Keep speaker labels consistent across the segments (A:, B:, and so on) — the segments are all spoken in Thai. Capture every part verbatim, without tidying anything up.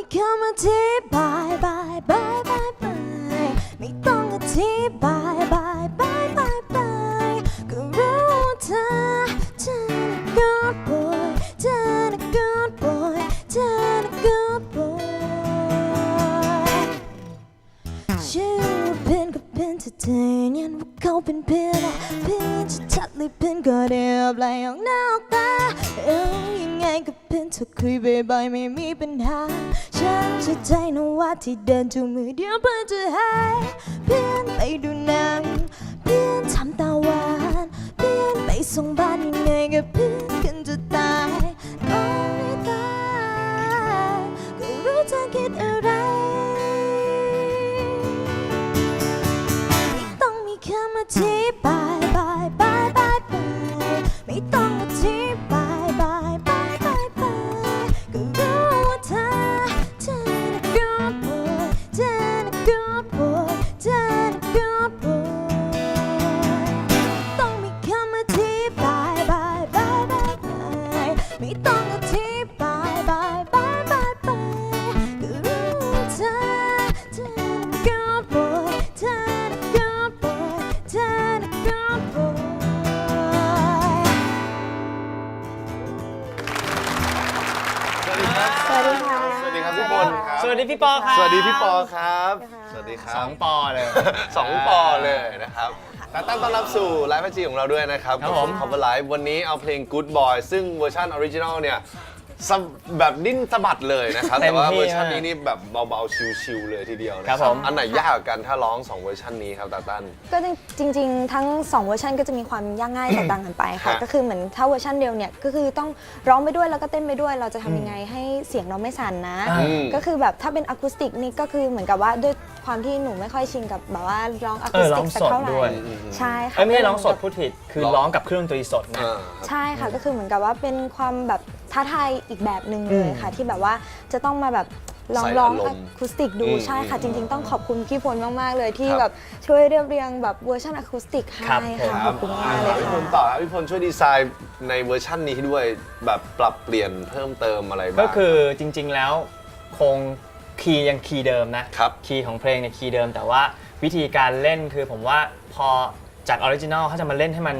A: คำอธิบายบายบายบายบายไม่ต้องอธิบายบายบายบายบายก็รู้ว่าเธอเธอน่ะ good boy เธอน่ะ good boy เธอน่ะ good boy ชื่อว่าเป็นก็เป็นเธอเธอยันว่าเขาเป็นเพื่อนเพื่อนชัดๆเลยเป็นก็เดียบไหลออกหน้าออกตาเอ้ยยังไงก็เป็นเธอคุยบ่อยๆไม่มีปัญหาฉันเชื่อใจนะว่าที่เดินจูงมือเดียวเพื่อนจะหายเพื่อนไปดูหนังเพื่อนทำตาหวานเพื่อนไปส่งบ้านยังไงก็เพื่อนกันจะตายโอ้ยตายก็รู้เธอคิดอะไรไม่ต้องมีคำอธิบายบายบายบายบายไม่ต้องอธิบายบายบายบายบายก็รู้ว่าเธอเธอน่ะ good boy เธอน่ะ good boy เธอน่ะ good boy ต้องมีคำอธิบายบายบายบายบายไม่ต้องอธิบายบายบายบายบายก็รู้ว่าเธอเธอน่ะ good boy เธอน่ะ good boy เธอน่ะ good boy
B: สวัสดีครับ
A: สวัสดีค่ะ
B: สวัสดีครับพี่พลครับ
C: สวัสดีพี่ปอครับ
B: สวัสดีพี่ปอครับ สวัสดีค
C: ส
B: รั
C: อบ งปอเลย
B: สองปอเลยนะครับแต่ต้อนรับสู่ไลฟ์พีจีของเราด้วยนะครับ
C: ครับผม
B: คอมเวอร์ไลฟ์วันนี้เอาเพลง Good Boy ซึ่งเวอร์ชันออริจินอลเนี่ยสะแบบดิ้นสะบัดเลยนะครับ แต่ว่าเวอร์ชันนี้นี่แบบเบาๆชิลๆเลยทีเดียวนะครับ
C: ผม
B: อันไหนยากกว่ากันถ้าร้องสองเวอร์ชันนี้ครับตาตั้น
A: ก็จริงๆ ทั้งสองเวอร์ชันก็จะมีความยากง่ายแตกต่างกันไปค่ะ
B: ฮะ
A: ก็คือเหมือนถ้าเวอร์ชันเดียวเนี่ยก็คือต้องร้องไปด้วยแล้วก็เต้นไปด้วยเราจะทำยังไงให้เสียงเราไม่สั่นนะ
B: อืม
A: ก็คือแบบถ้าเป็นอะคูสติกนี่ก็คือเหมือนกับว่าด้วยความที่หนูไม่ค่อยชินกับแบบว่าร้องอะ
C: เอ
A: คู
C: อ
A: ส
C: ร้
A: ติ
C: อก ง
A: สัก
C: สด
A: เท่าไหร่
C: ด้วย
A: ใช่ค่ะ
C: เอ้ยไม่ใช่ร้องสดพูดผิดคือ
B: ร้อง
C: ร้องกับเครื่องดนตรีสดนะ
B: อ่าครับ
A: ใช่ค่ะก็คือเหมือนกับว่าเป็นความแบบท้าทายอีกแบบหนึ่งเลยค่ะ ที่แบบว่าจะต้องมาแบบลอง
B: ใส่
A: ร้อง
B: อาร
A: อะ
B: มณ์
A: คูสติกดู
B: อืม
A: ใช่ค่ะ
B: อืม
A: จริง ๆ ต้องขอบคุณพี่พลมากๆเลยที่
B: ครับ
A: แบบช่วยเรียบเรียงแบบเวอร์ชันอะคูสติกให้
C: ครับ
A: ค่ะขอบคุณมากเลย
B: พี่พล
A: ค่ะ
B: ต่อครับพี่พลช่วยดีไซน์ในเวอร์ชันนี้ด้วยแบบปรับเปลี่ยนเพิ่มเติมอะไรบ้าง
C: ก็คือจริงๆแล้วคงคีย์ยังคีย์เดิมนะครับ คีย์ของเพลงเนี่ยคีย์เดิม แต่ว่าวิธีการเล่นคือผมว่าพอจากออริจินอลเขาจะมาเล่นให้มัน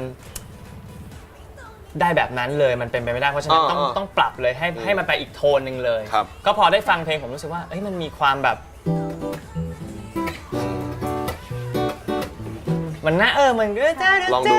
C: ได้แบบนั้นเลยมันเป็นไปไม่ได้เพราะฉะนั้นต้อง
B: อ่าๆ
C: ต้องปรับเลยให้ให้มันไปอีกโทนหนึ่งเลย
B: ครับ
C: ก็พอได้ฟังเพลงผมรู้สึกว่าเอ้ยมันมีความแบบ มันน่าเออมันก็
B: ลองดู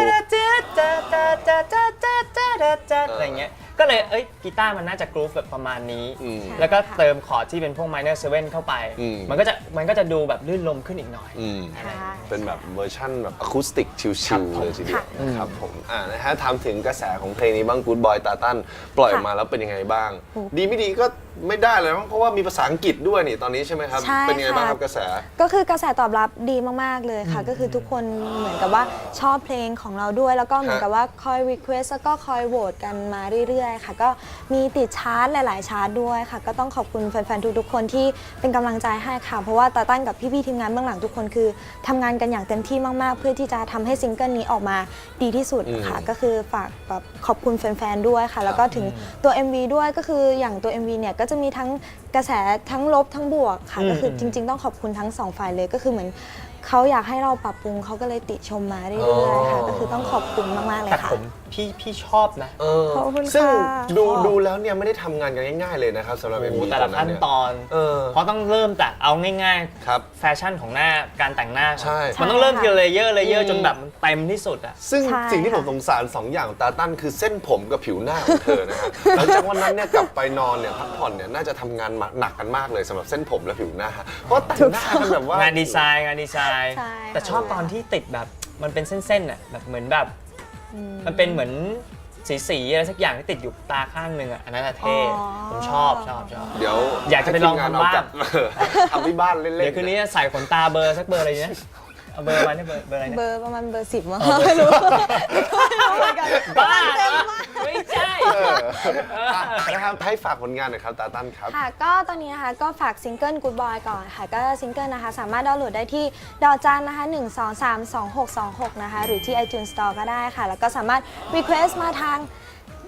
C: อะไรเงี้ยก็เลยเอ้ยกีตาร์มันน่าจะกรูฟแบบประมาณนี้
B: อืม
C: แล้วก็เติมคอร์ดที่เป็นพวก minor seven เข้าไป
B: อืม
C: มันก็จะมันก็จะดูแบบลื่นลมขึ้นอีกหน่อย
B: อืม
A: ค่ะ
B: เป็นแบบเวอร์ชั่นแบบอะคูสติกชิลๆเลยทีเดียวนะครับผมอ่านะฮะถามถึงกระแสของเพลงนี้บ้าง Good Boy ตาตั้นปล่อยออกมาแล้วเป็นยังไงบ้าง ดีไม่ดีก็ไม่ได้เลยมั้งเพราะว่ามีภาษาอังกฤษด้วยนี่ตอนนี้ใช่ไหมครับ
A: ใช่
B: เป็นยังไงบ้าง
A: ค่ะ
B: ครับกระแส
A: ก็คือกระแสตอบรับดีมากๆเลยค่ะ ก็คือทุกคนเหมือนกับว่าชอบเพลงของเราด้วย แล้วก็เหมือนกับว่าคอยรีเควสแล้วก็คอยโหวตกันมาเรื่อยๆค่ะ ก็มีติดชาร์ตหลายๆชาร์ตด้วยค่ะ ก็ต้องขอบคุณแฟนๆทุกๆคนที่เป็นกำลังใจให้ค่ะ เพราะว่าตาตั้นกับพี่ๆทีมงานเบื้องหลังทุกคนคือทำงานกันอย่างเต็มที่มากๆ เพื่อที่จะทำให้ซิงเกิลนี้ออกมาดีที่สุดค่ะ ก็คือฝากแบบขอบคุณแฟนๆด้วยค่ะ แล้วก็ถึงตัว เอ็ม วี ด้วยก็คืออย่างตัว เอ็ม วี เนี่ยก็จะมีทั้งกระแสทั้งลบทั้งบวกค่ะ ก็คือจริงๆต้องขอบคุณทั้งสองฝ่ายเลยก็คือเหมือนเขาอยากให้เราปรับปรุงเขาก็เลยติชมมาเรื่อยๆค่ะ ก็คือต้องขอบคุณมากๆเลย
C: แต่
A: ค่ะ
C: ผมพี่พี่ชอบนะ
B: เออ
A: ขอบคุณค่ะ
B: ซึ่งดู
C: ชอบ
B: ดูแล้วเนี่ยไม่ได้ทำงานกันง่ายๆเลยนะครับสำหรับเอ็ม
C: โอ้
B: วี
C: แต่ละขั้นตอน
B: เออ
C: เพราะต้องเริ่มจากเอาง่าย
B: ครับ
C: ๆ แฟชั่นของหน้าการแต่งหน้าก่อน
B: ใช่
C: มันต้องเริ่มทีละเลเยอร์เลเยอ
B: อื
C: ร์
B: ม
C: จนแบบมันเต็มที่สุดอ่ะ
B: ซึ่ง
A: ใช่
B: สิ่งที่ผม
A: ค่ะ
B: สงสารสองอย่างของตาตั้นคือเส้นผมกับผิวหน้าของเธอนะฮะ หลังจากวันนั้นเนี่ยกลับไปนอนเนี่ยพักผ่อนเนี่ยน่าจะทำงานมาหนักกันมากเลยสำหรับเส้นผมและผิวหน้า เพราะแต่งหน้ากันแบบว่าง
C: านดีไซน์งานดีไซน์
A: ใช่
C: แต่ชอบตอนที่ติดแบบมันเป็นเส้นๆอ่ะแบบเหมือนแบบมันเป็นเหมือนสีๆอะไรสักอย่างที่ติดอยู่ตาข้างหนึ่งอ่ะอันนั้นอะเท่ผมชอบชอบชอบ
B: เดี๋ยว
C: อยากจะไปลอง
B: ให้ทีมน
C: ทำบ้าง
B: เอกลัเออทำที่บ้านเล่นๆ
C: เดี๋ยวคืนนี้จะใส่ขนตาเบอร์สักเบอร์อะไรเนี่ยเอาเบอร์มาเนี่ยเบอร์เบอร์อะไร
A: เบ
C: เนี่ย
A: อร์ประมาณเบอร์สิบมั้ง
C: อ๋อเบอร์
A: ไม่รู้
C: บ้าเหรอไม่ใช่
B: เอออ่ะนะครับให้ฝากผลงานหน่อยครับตาตั้นครับ
A: ค่ะก็ตอนนี้นะคะก็ฝากซิงเกิล Good Boy ก่อนค่ะก็ซิงเกิลนะคะสามารถดาวน์โหลดได้ที่ดาวจันนะคะหนึ่ง สอง สาม สอง หก สอง หกนะคะหรือที่ iTunes Store ก็ได้ค่ะ แล้วก็สามารถ Request มาทาง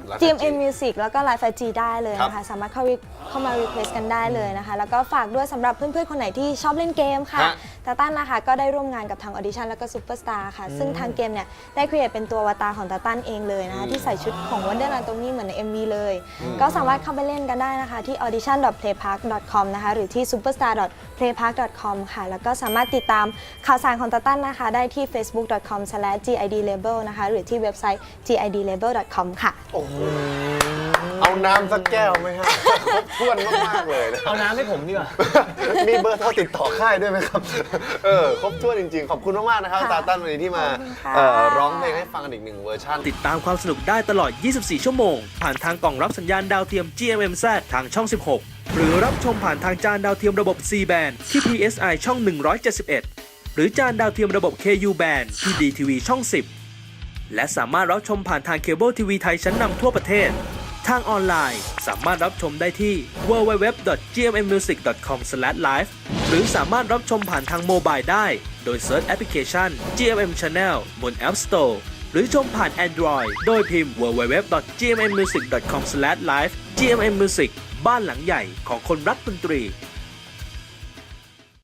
B: Live
A: จี เอ็ม เอ็ม
B: ไอ จี
A: Music แล้วก็ Live ไอ จี ได้เลยนะคะ สามารถเข้า re- เข้ามา request กันได้เลยนะคะ แล้วก็ฝากด้วยสำหรับเพื่อนๆ คนไหนที่ชอบเล่นเกมค่ะ
B: ฮะ
A: ตาตั้นนะคะก็ได้ร่วมงานกับทาง Audition แล้วก็ Superstar ค่ะ ซึ่งทางเกมเนี่ยได้ create เป็นตัวอวตารของตาตั้นเองเลยนะคะ ที่ใส่ชุดของ Wonder Anatomy เหมือนใน เอ็ม วี เลย ก็สามารถเข้าไปเล่นกันได้นะคะที่ audition dot playpark dot com นะคะ หรือที่ superstar dot playpark dot com ค่ะ แล้วก็สามารถติดตามข่าวสารของตาตั้นนะคะ ได้ที่ facebook dot com slash g i d label นะคะ หรือที่เว็บไซต์ g i d label dot com ค่ะ
B: โอ้โหเอาน้ำสักแก้วไหมฮะครบถ้วนมากๆเลยนะ
C: เอาน้ำให้ผมดีกว่า
B: มีเบอร์โทรติดต่อค่ายด้วยไหมครับ เออครบถ้วนจริงๆ ขอบคุณมากๆนะครับ
A: ค่ะ
B: ตาตั้นวันนี้ที่มา
A: ขอบคุณค่ะ
B: เอ่อร้องเพลงให้ฟังกันอีกหนึ่งเวอร์ชัน
D: ติดตามความสนุกได้ตลอด ยี่สิบสี่ ชั่วโมง ผ่านทางกล่องรับสัญญาณดาวเทียม จี เอ็ม เอ็ม แซด ทางช่อง สิบหก หรือรับชมผ่านทางจานดาวเทียมระบบ ซี แบน ที่ พี เอส ไอ ช่อง หนึ่งร้อยเจ็ดสิบเอ็ด หรือจานดาวเทียมระบบ เค ยู แบน ที่ ดี ที วี ช่อง สิบ และสามารถรับชมผ่านทางเคเบิลทีวีไทยชั้นนำทั่วประเทศ ทางออนไลน์สามารถรับชมได้ที่ ดับเบิลยู ดับเบิลยู ดับเบิลยู ดอท จี เอ็ม เอ็ม มิวสิก ดอท คอม สแลช ไลฟ์ หรือสามารถรับชมผ่านทางโมบายได้ โดยเซิร์ชแอปพลิเคชัน จี เอ็ม เอ็ม Channel บน App Store หรือชมผ่าน Android โดยพิมพ์ ดับเบิลยู ดับเบิลยู ดับเบิลยู ดอท จี เอ็ม เอ็ม มิวสิก ดอท คอม สแลช ไลฟ์ จี เอ็ม เอ็ม Music บ้านหลังใหญ่ของคนรักดนตรี